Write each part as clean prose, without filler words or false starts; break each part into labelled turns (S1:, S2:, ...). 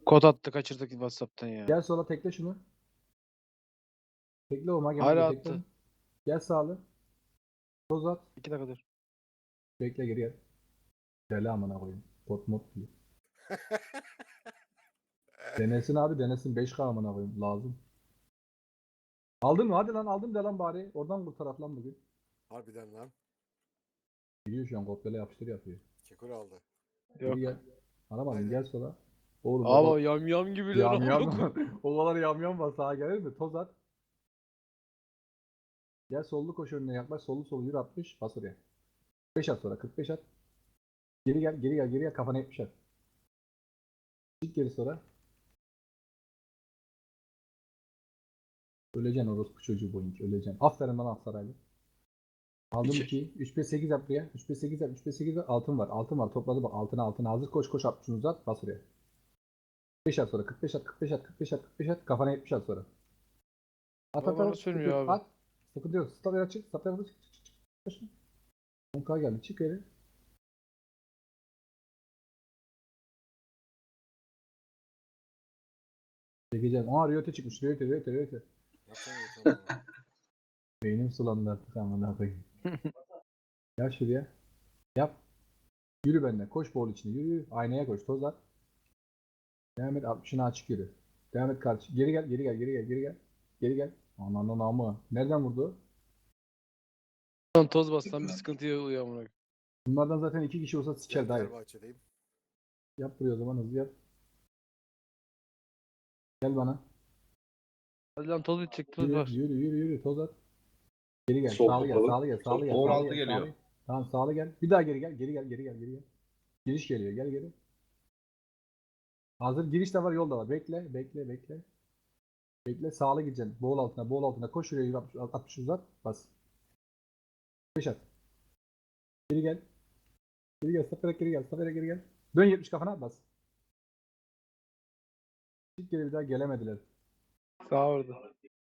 S1: Kod attı kaçırdık WhatsApp'tan ya.
S2: Gel sola tekle şunu. Tekle o mage
S1: Hala
S2: tekle.
S1: attı.
S2: Gel sağlı. Toz at.
S1: 2 dakika dur.
S2: Bekle geri gel. Deli amına koyayım. Pot mod diyor. Denesin abi denesin. 5K amına koyayım. Lazım. Aldın mı? Hadi lan aldım de lan bari. Oradan kurtarak lan bugün.
S3: Harbiden lan.
S2: Biliyor şu an kopyala yapıştır yapıyor.
S3: Kekur aldı.
S2: Geri
S1: Yok.
S2: gel. Aramadın
S3: Aynen.
S2: gel sola. Oğlum o
S1: Ama
S2: kadar
S1: yam gibiler
S2: yam
S1: amına
S2: yam
S1: koyayım.
S2: o kadar yam yam var sağa gelir mi? Toz at. Gel sollu koş önüne yaklaş. Sollu yürü 60. Bas oraya. 5 at sonra 45 at. Geri gel geri gel kafana 70 at. Çık geri sonra. Öleceksin orospu çocuğu boyunca öleceksin. Aferin bana Aksaraylı. Aldım 2. 3-5-8 yap buraya. 3-5-8 yap. 3-5-8 yap. Altın var. Altın var. Topladı bak. Altına hazır. Koş 60'ını uzat. Bas oraya. 5 at sonra. 45 at. 45 at. 45 at. 45 at. Kafana 70 at sonra. At
S1: Ama
S2: at
S1: bana
S2: at. Sıkıntı
S1: sürmüyor
S2: yok.
S1: abi.
S2: At. Sıkıntı yok. Stop açık. Stop açık. Çık. 10K geldi. Çık geri. Çekeceğim. Aa Riyote çıkmış. Riyote.
S3: Yapsana yeter bana.
S2: Beynim sulandı artık amına koyayım. Gel şuraya. Yap. Yürü benimle. Koş bol içine. Yürü. Aynaya koş. Toz at. Devam et 60'ını açık yürü. Devam et karşı. Geri gel. Geri gel. Ananın amı. Nereden vurdu?
S1: Lan toz bastan bir sıkıntı oluyor amına koyayım.
S2: Bunlardan zaten 2 kişi olsa
S3: Gel
S2: siker dayı.
S3: Fenerbahçe'deyim.
S2: Yap buraya o zaman hızlı yap. Gel bana.
S1: Hadi lan toz bitecek toz var.
S2: Yürü. Toz at. Geri gel.
S4: Sol
S2: Sağlı gel.
S4: kapalı.
S2: Sağlı gel.
S4: Sol 16 geliyor.
S2: Tamam sağlı gel. Bir daha geri gel. Geri gel. Giriş geliyor. Gel geri. Hazır. Giriş de var. Yol da var. Bekle. Sağlı gideceksin. Boğul altına. Koş şuraya. 60 uzat. Bas. 5 at. Geri gel. Saparak geri gel. Dön 70 kafana. Bas. Çık geri bir daha gelemediler.
S1: Sağ orada.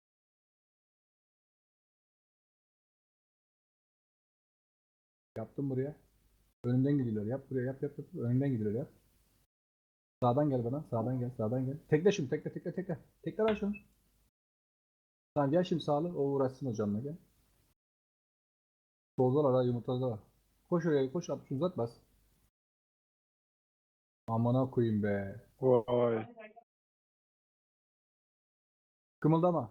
S2: Yaptım buraya. Önümden gidiyorlar. Yap buraya. Yap. Önümden gidiyorlar. Yap. Sağdan gel bana. Sağdan gel. Tekle şunu. Tekle. Tekle lan şunu. Tamam gel şimdi sağlı. O uğraşsın hocamla gel. Soldalar ha yumurtalar. Koş oraya koş 60 uzat bas. Amına koyayım be.
S1: Vay.
S2: Kımıldama.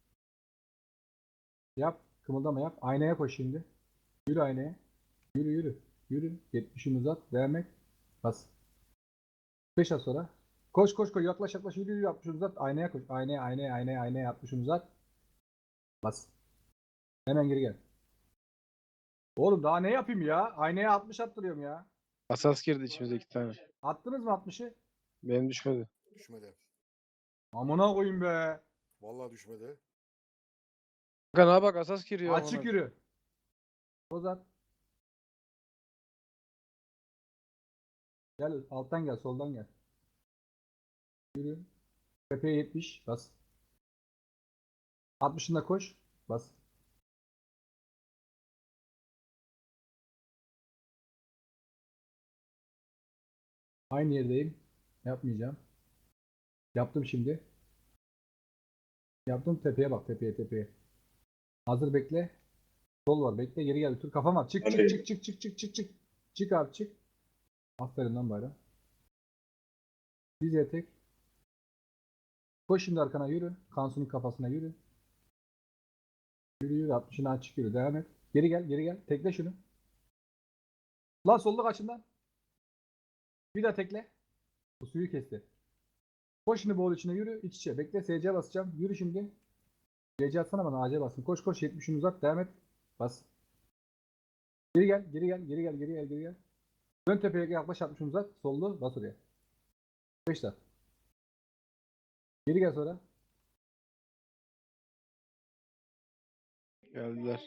S2: Yap. Kımıldama yap. Aynaya koş şimdi. Yürü aynaya. Yürü. 70'ini uzat. Devam et. Bas. 5 at sonra. Koş. Yaklaş. Yürü 60'ını uzat. Aynaya koş. Aynaya 60'ını uzat. Bas. Hemen geri gel. Oğlum daha ne yapayım ya? Aynaya 60 attırıyorum ya.
S1: Asas girdi içimize 2 tane.
S2: Attınız mı 60'ı?
S1: Benim düşmedi.
S3: Düşmedi.
S2: Amına koyayım be.
S3: Vallahi düşmedi.
S1: Kanka bak asas giriyor amına
S2: Açık
S1: koyayım.
S2: yürü. Ozat. Gel alttan gel soldan gel. Yürü. Tepeye 70 bas. 60'ında koş. Bas. Aynı yerdeyim. Yapmayacağım. Yaptım şimdi. Yaptım tepeye bak tepeye. Hazır bekle. Sol var bekle geri gel. Tur kafam var. Çık. Çık abi çık. Aferin lan bayram. Diz etek. Koş şimdi arkana yürü. Kansu'nun kafasına yürü. Yürü 60'ını açık yürü. Devam et. Geri gel. Tekle şunu. Lan solda kaçından. Bir daha tekle. Bu suyu kesti. Koş şimdi boğul içine yürü. İç içe. Bekle SC basacağım. Yürü şimdi. CC atsana bana AC basın. Koş 70'ini uzat. Devam et. Bas. Geri gel. Dön tepeye yaklaş 60'ını uzat. Sollu bas oraya. 5 daha. Geri gel sonra.
S1: Geldiler.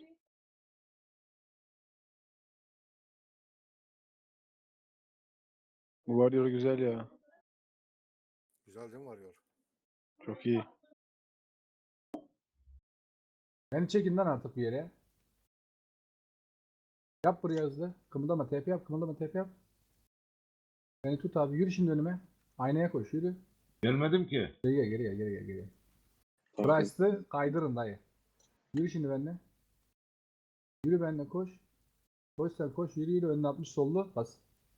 S1: Bu varıyor güzel ya.
S3: Güzel değil mi varıyor?
S1: Çok iyi.
S2: Beni çekin lan artık bir yere. Yap buraya hızlı. Kımıldama TP yap. Beni tut abi. Yürü şimdi önüme. Aynaya koş. Yürü.
S4: Gelmedim ki.
S2: Geri gel, geri gel, geri gel, geri gel.
S5: Tamam.
S2: Price'ı kaydırın dayı. Yürü şimdi benimle. Yürü benimle koş. Koş sen koş. Yürü yürü. Önüne 60 sollu. Bas.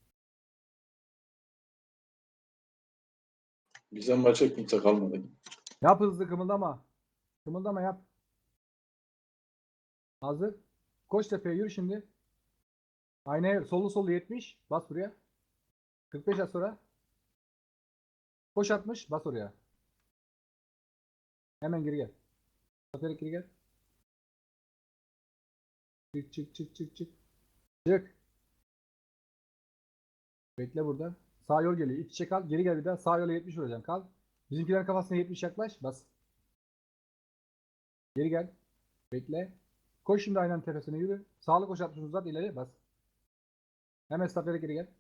S5: Bizden maça kimse kalmadı.
S2: Yap hızlı kımıldama. Kımıldama yap. Hazır. Koş tepeye yürü şimdi. Aynaya sollu sollu 70. Bas buraya. 45 at sonra. Koş 60. Bas oraya. Hemen geri gel. Aferin geri gel. Çık çık çık çık çık. Çık. Bekle burada. Sağ yol geliyor. İç içe kal. Geri gel bir daha. Sağ yola 70 vuracağım. Kal. Bizimkilerin kafasına 70 yaklaş. Bas. Geri gel. Bekle. Koş şimdi aynanın tepesine yürü. Sağlı koş 60 uzat ileri bas. Hemen stop geri gel.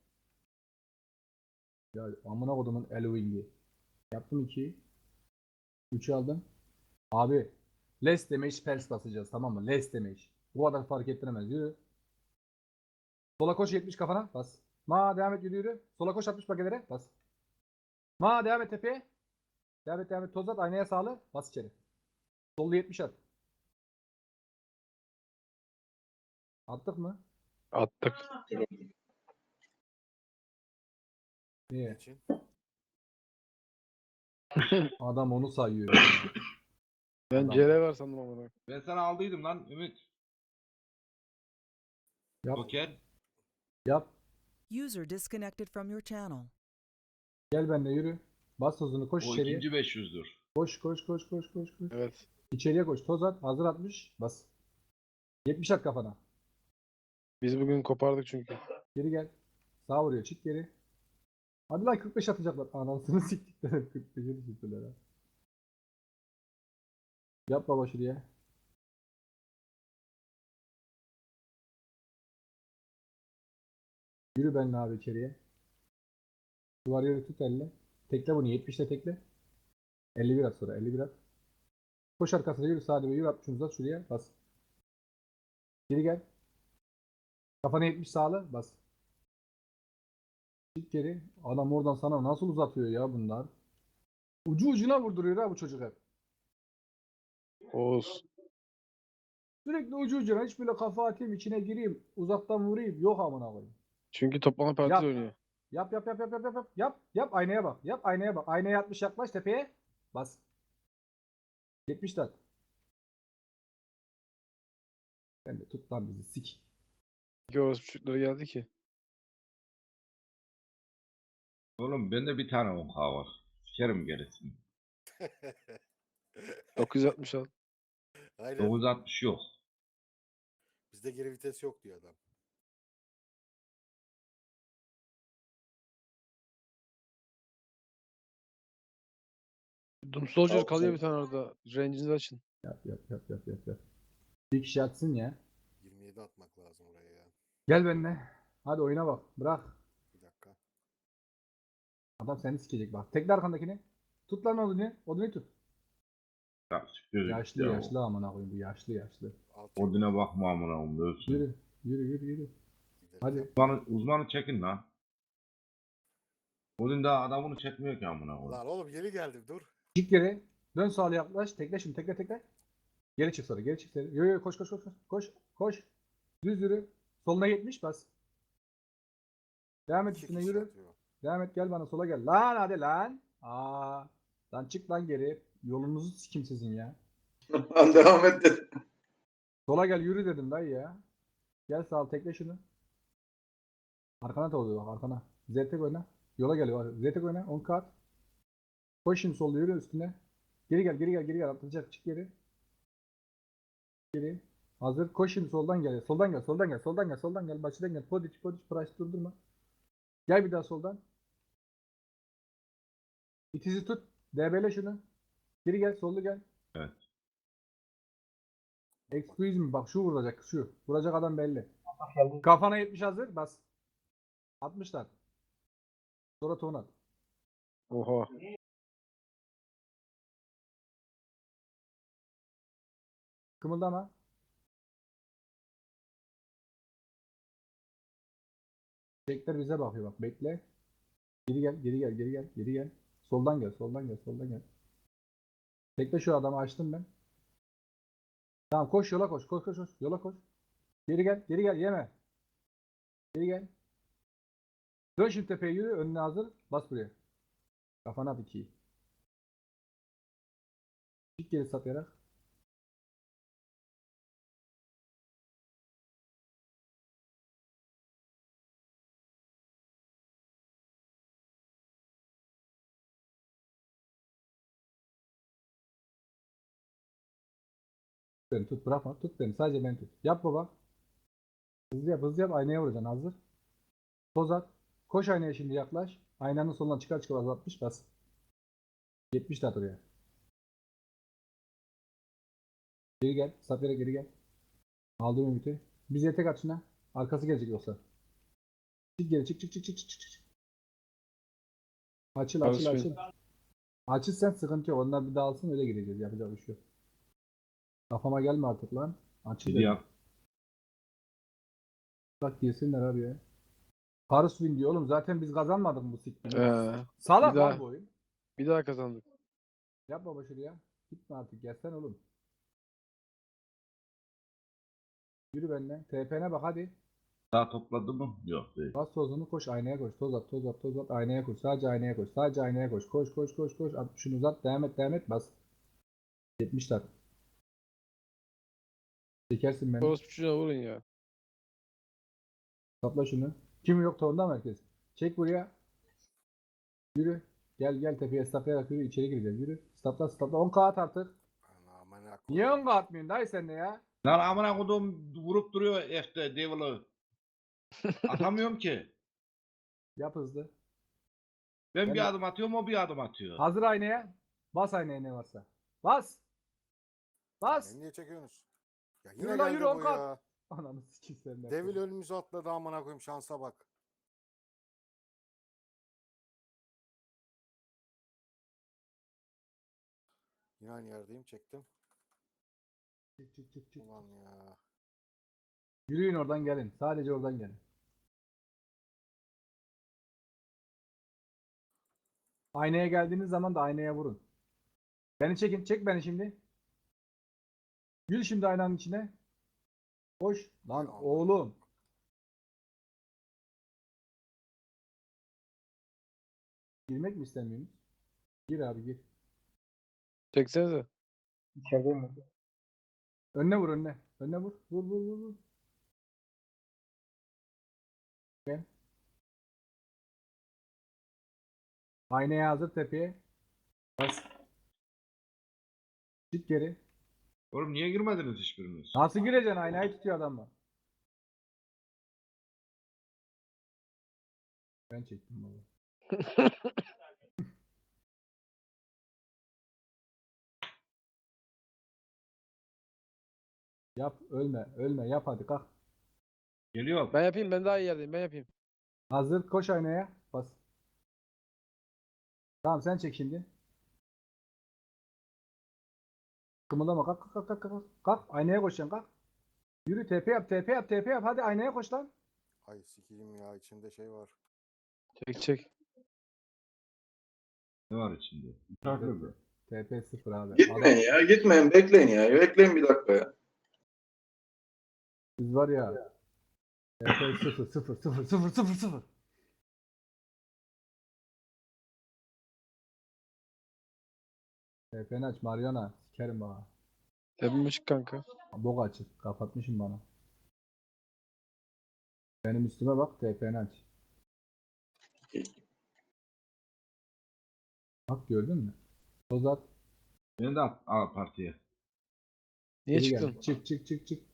S2: Ya amına kodumun Elwing'i. Yaptım 2'yi. 3'ü aldım. Abi. Less damage pers basacağız tamam mı? Less damage. Bu kadar fark ettiremez. Yürü. Sola koş 70 kafana. Bas. Ma devam et yürü yürü. Sola koş 60 bagelere. Bas. Ma devam et tepeye. Devam et devam et. Toz at. Aynaya sağlı. Bas içeri. Sollu 70 at. Attık mı?
S1: Attık.
S2: Niye?
S3: için.
S2: Adam onu sayıyor ya.
S1: Ben
S2: Adam.
S1: CR var sandım ama.
S4: Ben sana aldıydım lan Ümit.
S2: Yap.
S4: Joker.
S2: Yap.
S6: User disconnected from your channel.
S2: Gel benimle yürü. Bas hızını koş
S4: O
S2: içeriye.
S4: ikinci 500'dür.
S2: Koş koş koş koş koş koş.
S1: Evet.
S2: İçeriye koş. Toz at. Hazır 60. Bas. 70 at kafana.
S1: Biz bugün kopardık çünkü.
S2: Geri gel. Sağ vuruyor. Çık geri. Hadi lan 45 atacaklar. Anasını siktikler. 45'e düşürdüler ha. Yap baba şuraya. Yürü benimle abi içeriye. Duvar yürü tut elle. Tekle bunu. 70'te tekle. 51 at sonra. 51 at. Koş arkasına yürü. Sağ yürü. 60 uzat şuraya. Bas. Geri gel. Kafana 70 sağla. Bas. Çık geri. Adam oradan sana nasıl uzatıyor ya bunlar. Ucu ucuna vurduruyor ha bu çocuk hep.
S1: Oğuz.
S2: Sürekli ucu ucuna hiç böyle kafa atayım içine gireyim uzaktan vurayım yok amına koyayım.
S1: Çünkü toplama parti
S2: Yap.
S1: oynuyor.
S2: Yap yap yap yap yap yap yap yap yap aynaya bak. Yap aynaya bak. Aynaya 60 yaklaş tepeye. Bas. 70 tat. Ben de tut lan bizi sik.
S1: İki orası çocukları geldi ki.
S4: Oğlum bende bir tane 10K var. Sikerim gerisini.
S1: 960 al.
S3: Aynen.
S4: 960 yok.
S3: Bizde geri vites yok diyor adam.
S1: Doom Soldier
S5: Tamam,
S1: kalıyor
S5: sen-
S1: bir tane orada. Range'inizi açın.
S2: Yap yap yap yap yap yap. Bir kişi atsın ya.
S3: 27 atmak lazım oraya ya.
S2: Gel benimle. Hadi oyuna bak. Bırak.
S3: Bir dakika.
S2: Adam seni sikecek bak. Tekle arkandakini. Tut lan odunu. Odunu tut.
S4: Ya siktir git
S2: Yaşlı
S4: ya.
S2: yaşlı amına koyayım bu yaşlı yaşlı.
S3: Alt
S4: Odine bakma amına koyayım ölsün.
S2: Yürü. Yürü yürü yürü.
S3: gidelim.
S2: Hadi.
S4: Uzmanı çekin lan. Odin daha adamını çekmiyor ki amına koyayım.
S3: Lan oğlum yeni geldim dur.
S2: Çık geri. Dön sağa yaklaş. Tekle şimdi. Tekle tekle. Geri çık sonra. Geri çık sonra. Yo yo koş koş koş. Koş. Koş. Koş. Düz yürü. Soluna 70 bas. Devam et
S3: İki
S2: üstüne
S3: kişi
S2: yürü.
S3: atıyor.
S2: Devam et gel bana sola gel. Lan hadi lan. Aa. Lan çık lan geri. Yolunuzu sikim sizin ya.
S5: Lan devam et de.
S2: Sola gel yürü dedim dayı ya. Gel sağ tekle şunu. Arkana da oluyor bak arkana. Zetek oyna. Yola geliyor. Zetek oyna. 10 kat. Koş şimdi solda yürü üstüne. Geri gel geri gel geri gel. Atlayacak çık geri. Geri. Hazır. Koş şimdi soldan gel. Soldan gel. Soldan gel. Soldan gel. Soldan gel. Başından gel. Podiç podiç. Price durdurma. Gel bir daha soldan. İtizi tut. DB'le şunu. Geri gel. Sollu gel.
S4: Evet.
S2: Excuse me. Bak şu vuracak. Şu. Vuracak adam belli. Kafana 70 hazır. Bas. 60'lar. Sonra ton at.
S1: Oha.
S2: Kımıldama. Tekler bize bakıyor bak. Bekle. Geri gel. Geri gel. Geri gel. Geri gel. Soldan gel, soldan gel, soldan gel. Tekle şu adamı açtım ben. Tamam koş yola koş, koş koş koş. Yola koş. Geri gel, geri gel, yeme. Geri gel. Dön şimdi tepeye yürü, önüne hazır. Bas buraya. Kafana at 2'yi. Çık geri saplayarak. Beni tut, bırakma. Tut beni. Sadece beni tut. Yap baba. Hızlı yap, hızlı yap. Aynaya vuracaksın. Hazır. Toz at. Koş aynaya şimdi yaklaş. Aynanın solundan çıkar çıkar 60 bas. 70 de at oraya. Geri gel. Safya'ya geri gel. Aldım ümiti. Bize tek at şuna. Arkası gelecek yoksa. Çık geri çık çık çık çık çık çık. Açıl açıl
S1: Barış
S2: açıl. Açıl sen sıkıntı yok. Onlar bir dağılsın öyle gireceğiz. Yapacak bir şey yok. Kafama gelme artık lan. Açıl dedim.
S4: Gidiyorum.
S2: Bak girsinler abi ya. Paris win diyor oğlum. Zaten biz kazanmadık mı bu siktir.
S1: Bir
S2: Salak
S1: daha.
S2: lan bu oyun.
S1: Bir daha kazandık.
S2: Yap baba şuraya. Gitme artık. Gelsen oğlum. Yürü benimle. TP'ne bak hadi.
S4: Daha topladı mı? Yok değil.
S2: Bas tozunu koş aynaya koş. Toz at toz at toz at. Aynaya koş. Sadece aynaya koş. Sadece aynaya koş. Koş koş koş koş. 60'ını uzat. Devam et devam et. Bas. 70 tat. Çekersin beni.
S1: Orospu çocuğuna vurun ya.
S2: Sapla şunu. Kim yok tonda merkez. Çek buraya. Yürü. Gel gel tepeye staplayarak yürü. İçeri gireceğiz. Yürü. Stapla stapla. 10 kağıt artık.
S3: Amına
S2: Niye
S3: koyayım.
S2: 10 kağıt atmıyorsun dayı sen de ya?
S4: Lan amına kodum vurup duruyor F'de Devil'ı. Atamıyorum ki.
S2: Yap hızlı.
S4: Ben
S2: Ben
S4: bir
S2: de-
S4: adım atıyorum o bir adım atıyor.
S2: Hazır aynaya. Bas aynaya ne varsa. Bas. Bas.
S3: Beni niye çekiyorsunuz? Ya
S2: Yürü
S3: yine
S2: lan,
S3: geldi
S2: yürü,
S3: bu
S2: on kat.
S3: ya.
S2: Ananı sikeyim senin de.
S3: Devil önümüze atladı amına koyayım şansa bak. Yine aynı yerdeyim çektim.
S2: Çık çık çık çık.
S3: Ulan ya.
S2: Yürüyün oradan gelin. Sadece oradan gelin. Aynaya geldiğiniz zaman da aynaya vurun. Beni çekin. Çek beni şimdi. Yürü şimdi aynanın içine. Koş. Lan
S3: Aman.
S2: oğlum. Girmek mi istemiyorsunuz? Gir abi gir.
S1: Çeksenize.
S2: Önüne vur önüne. Önüne vur. Vur vur vur vur. Gel. Aynaya hazır tepeye. Bas. Çık geri.
S4: Oğlum niye girmediniz hiçbiriniz?
S2: Nasıl gireceksin? Aynayı tutuyor adamla. Ben çektim baba. Yap ölme ölme yap hadi kalk.
S4: Geliyor.
S1: Ben yapayım, ben daha iyi yerdeyim, ben yapayım.
S2: Hazır koş aynaya. Bas. Tamam sen çek şimdi. Kımıldama kalk kalk kalk kalk kalk. Kalk aynaya koşacaksın kalk. Yürü TP yap TP yap TP yap hadi aynaya koş lan.
S3: Ay sikeyim ya içinde şey var.
S1: Çek çek.
S4: Ne var içinde?
S2: TP 0 abi.
S5: Gitmeyin ya. Gitmeyin. Bekleyin ya. Bekleyin bir dakika ya.
S2: Biz var ya. TP 0 0 0 0 0 0. TP'ni aç Mariana. Sikerim bana.
S1: Tepem açık kanka.
S2: Bok açık. Kapatmışım bana. Benim üstüme bak TP'ni aç. Bak gördün mü? Tozat.
S4: Beni de at al partiye.
S1: Niye
S2: Geri
S1: çıktın?
S2: gel. Çık çık çık çık.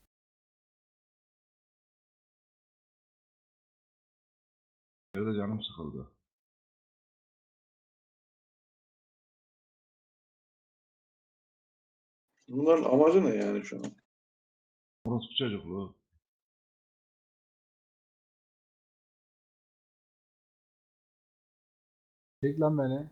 S4: Evde canım sıkıldı.
S5: Bunların amacı ne yani şu an?
S4: Orospu çocukluğu.
S2: Çek lan beni.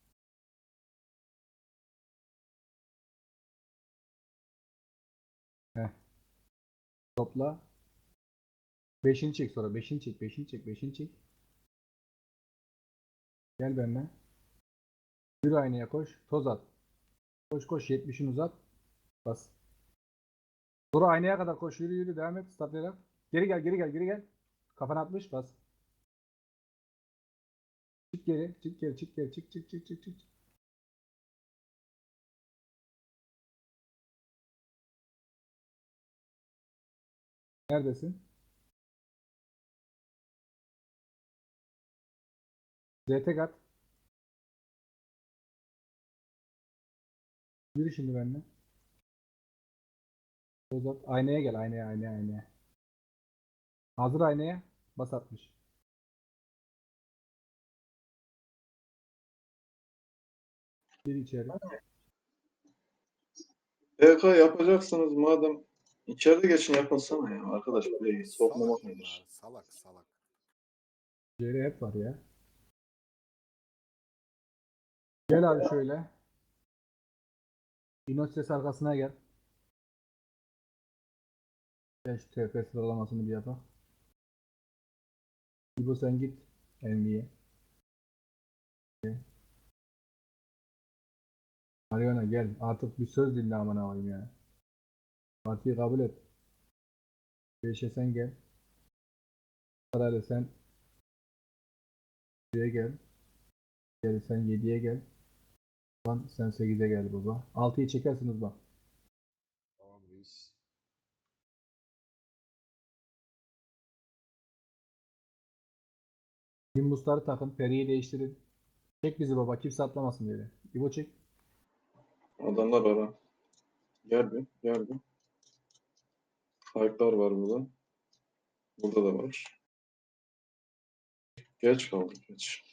S2: Heh. Topla. Beşini çek sonra. Beşini çek. Beşini çek. Beşini çek. Gel benimle. Yürü aynaya koş. Toz at. Koş koş 70'in uzat. Bas. Sonra aynaya kadar koş. Yürü yürü devam et. Statlayarak. Geri gel geri gel geri gel. Kafana atmış bas. Çık geri. Çık geri çık geri. Çık çık çık çık çık. Neredesin? ZT at. Yürü şimdi benimle. Toz at. Aynaya gel. Aynaya aynaya aynaya. Hazır aynaya. Bas atmış. Gir içeri.
S5: PK yapacaksınız madem içeride geçin yapılsana ya. Arkadaş burayı sokmamak
S3: Salak
S5: nedir?
S3: bunlar. Salak salak.
S2: Geri hep var ya. Gel abi şöyle. İnoces arkasına gel. Gel şu TP sıralamasını bir yapalım. İbo sen git. Envy'ye. Mariana gel. Artık bir söz dinle aman ağabeyim ya. Partiyi kabul et. 5'e sen gel. Parayla sen Şuraya gel. Gel sen 7'ye gel. Lan sen 8'e gel baba. 6'yı çekersiniz bak.
S4: Tamam reis.
S2: Nimbusları takın. Peri'yi değiştirin. Çek bizi baba. Kimse atlamasın diye. İbo çek.
S5: Adamlar var ha. Gel bir. Gel bir. Hype'lar var burada. Burada da var. Geç kaldık geç.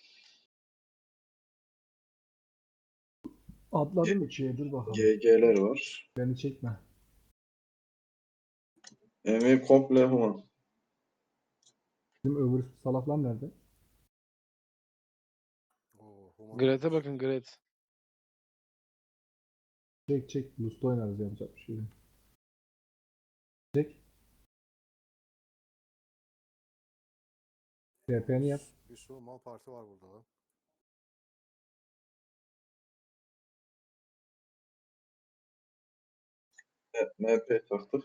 S2: Atladım 2'ye. Dur bakalım.
S5: GG'ler var.
S2: Beni çekme.
S5: Emi komple human.
S2: Bizim öbür salaklar nerede?
S3: Oo, Human
S1: Gret'e
S3: olmuş.
S1: bakın Gret.
S2: Çek çek. Lust oynarız yapacak bir şey yok. Çek. TP'ni yap.
S3: Bir sürü mal parti var burada lan.
S5: MP taktık.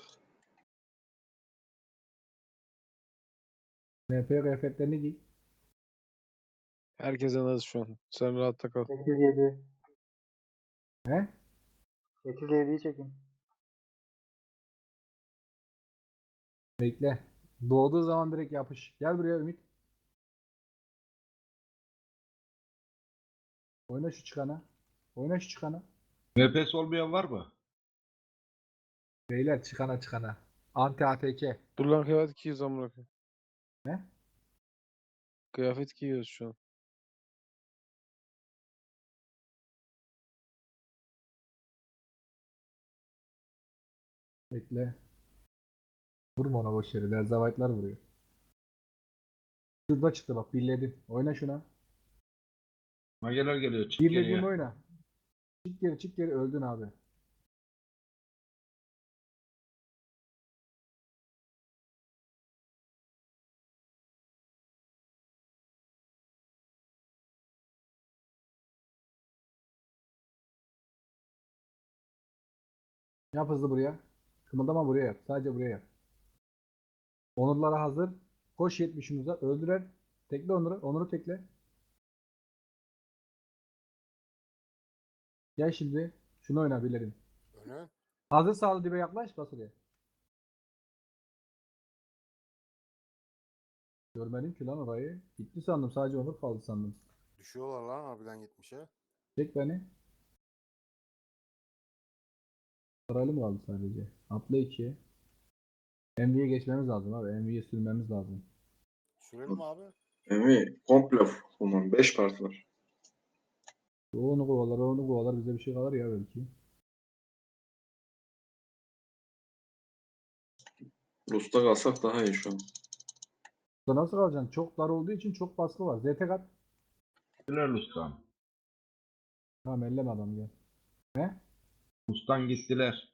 S2: MP kıyafetlerini giy.
S1: Herkes en az şu an. Sen rahatta kal.
S7: 8-7.
S2: He?
S7: 8-7'yi çekin.
S2: Bekle. Doğduğu zaman direkt yapış. Gel buraya Ümit. Oyna şu çıkana. Oyna şu çıkana.
S4: MPS olmayan var mı?
S2: Beyler çıkana çıkana. Anti ATK.
S1: Dur lan kıyafet giyiyoruz amına koyayım.
S2: Ne?
S1: Kıyafet giyiyoruz şu an.
S2: Bekle. Vurma ona boş yere. Derzavaytlar vuruyor. Şurada çıktı bak. Birledim. Oyna şuna.
S4: Mageler geliyor. Çık
S2: Birlediğim
S4: geriye.
S2: oyna. Çık geri çık geri. Öldün abi. Yap hızlı buraya. Kımıldama buraya yap. Sadece buraya yap. Onurlara hazır. Koş 70'in uzat. Öldürer. Tekle Onur'u. Onur'u tekle. Gel şimdi. Şunu oyna birledim.
S3: Önü.
S2: Hazır sağlı dibe yaklaş. Bas oraya. Görmedim ki lan orayı. Gitti sandım. Sadece Onur kaldı sandım.
S3: Düşüyorlar lan harbiden 70'e.
S2: Çek beni. Sırayla mı kaldı sadece? Atla 2'ye. MV'ye geçmemiz lazım abi. MV'ye sürmemiz lazım.
S3: Sürelim abi.
S5: Emi komple human. 5 parti var.
S2: O onu kovalar, o onu kovalar. Bize bir şey kalır ya belki.
S5: Rus'ta kalsak daha iyi şu an.
S2: Burada nasıl kalacaksın? Çok dar olduğu için çok baskı var. ZT kat.
S4: Gittiler Lus'tan.
S2: Tamam elleme adam gel. Ne?
S4: Lus'tan gittiler.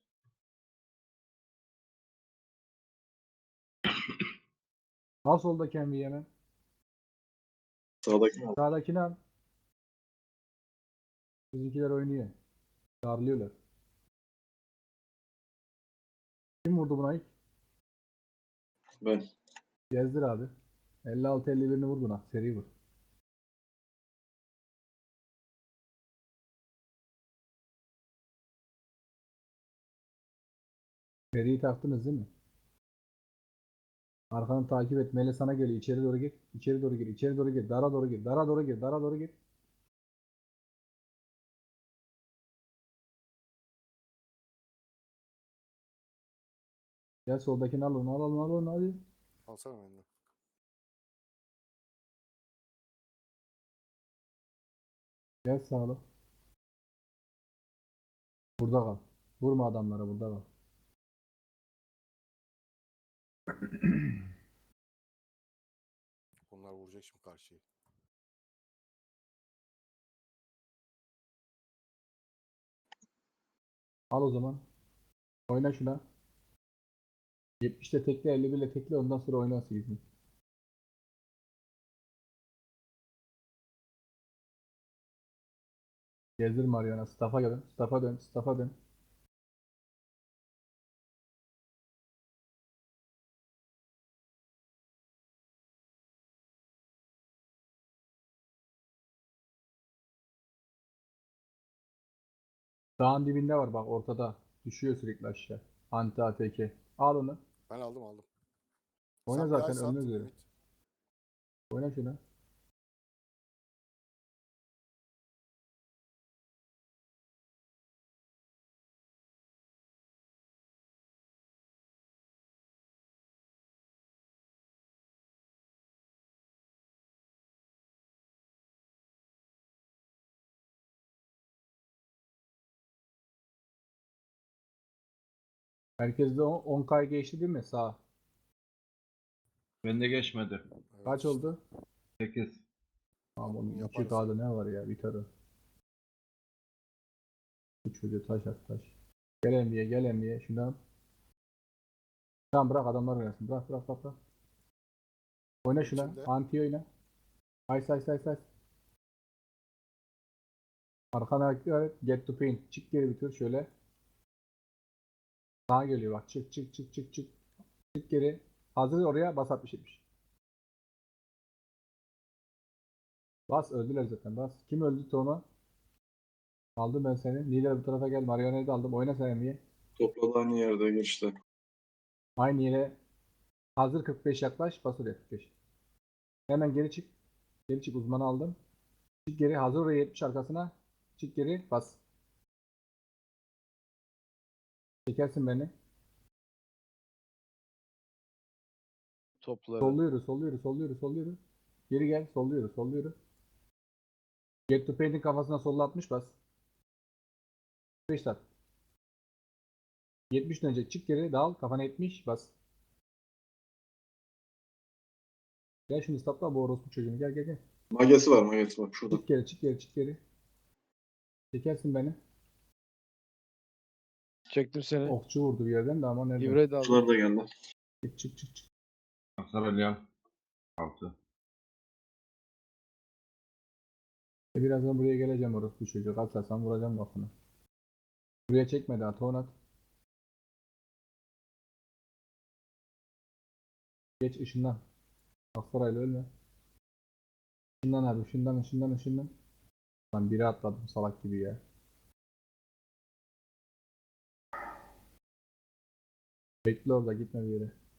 S2: Al soldaki MV'yi hemen.
S5: Sağdaki mi?
S2: Sağdakini al. Bizimkiler oynuyor. Darlıyorlar. Kim vurdu buna ilk?
S5: Ben.
S2: Gezdir abi. 56-51'ini vur buna. Seri vur. Seriyi taktınız değil mi? Arkanı takip et. Mele sana geliyor. İçeri doğru gir. İçeri doğru gir. İçeri doğru gir. Dara doğru gir. Dara doğru gir. Dara doğru gir. Gel soldakini al onu. Al onu. Al onu. Hadi.
S3: Alsana benden.
S2: Gel sağla. Burada kal. Vurma adamlara. Burada kal.
S3: Bunlar vuracak şimdi karşıyı.
S2: Al o zaman. Oyna şuna. 70'te tekle, 51'le tekle, ondan sonra oyna 8'ini. Gezdir Mariana. Staff'a dön. Staff'a dön. Staff'a dön. Dağın dibinde var bak ortada. Düşüyor sürekli aşağı. Anti ATK. Al onu.
S3: Ben aldım.
S2: Oyna
S3: Sen bir
S2: zaten
S3: ice
S2: önüne
S3: attın
S2: göre.
S3: Ümit.
S2: Oyna şuna. Herkeste 10K geçti değil mi? Sağ.
S4: Bende geçmedi.
S3: Evet
S2: Kaç
S3: işte.
S2: oldu?
S4: 8.
S2: Tamam
S3: Bunu
S2: oğlum.
S3: yaparız
S2: 2K'da ne var ya? Biter o. Bu çocuğu taş at taş. Gel Emmiye gel Emmiye. Şundan. Tamam bırak adamlar oynasın. Bırak. Oyna şuna.
S3: İçimde.
S2: Anti oyna. Ay. Arkana dikkat et. Get to paint. Çık geri bir tur şöyle. Sağa geliyor bak. Çık. Çık geri. Hazır oraya bas 60-70. Bas öldüler zaten bas. Kim öldü Toma? Aldım ben seni. Lider bu tarafa gel. Marionet'i de aldım. Oyna sen Emiye.
S5: Topladı aynı yerde geçti.
S2: Aynı yere. Hazır 45 yaklaş. Bas oraya 45. Hemen geri çık. Geri çık uzmanı aldım. Çık geri. Hazır oraya 70 arkasına. Çık geri. Bas. Çekersin beni.
S1: Topları.
S2: Solluyoruz. Geri gel. Solluyoruz. Get to paint'in kafasına solla 60 bas. 5 tak. 70 dönecek. Çık geri. Dal. Kafana 70 bas. Gel şimdi stopla bu orospu çocuğunu. Gel.
S5: Magesi var şurada.
S2: Çık geri. Çekersin beni.
S1: Çektim seni.
S2: Okçu vurdu bir yerden de ama nereden?
S1: İbre de aldım.
S5: Şunlar da geldi.
S2: Çık.
S4: Sarılyan. 6.
S2: Birazdan buraya geleceğim orospu çocuğu. Kaçarsan vuracağım lafını. Buraya çekme daha. Tonat. Geç ışından. Akfarayla ölme. Işından abi. Işından. Lan biri atladım salak gibi ya. Bekle orada gitme bir yere.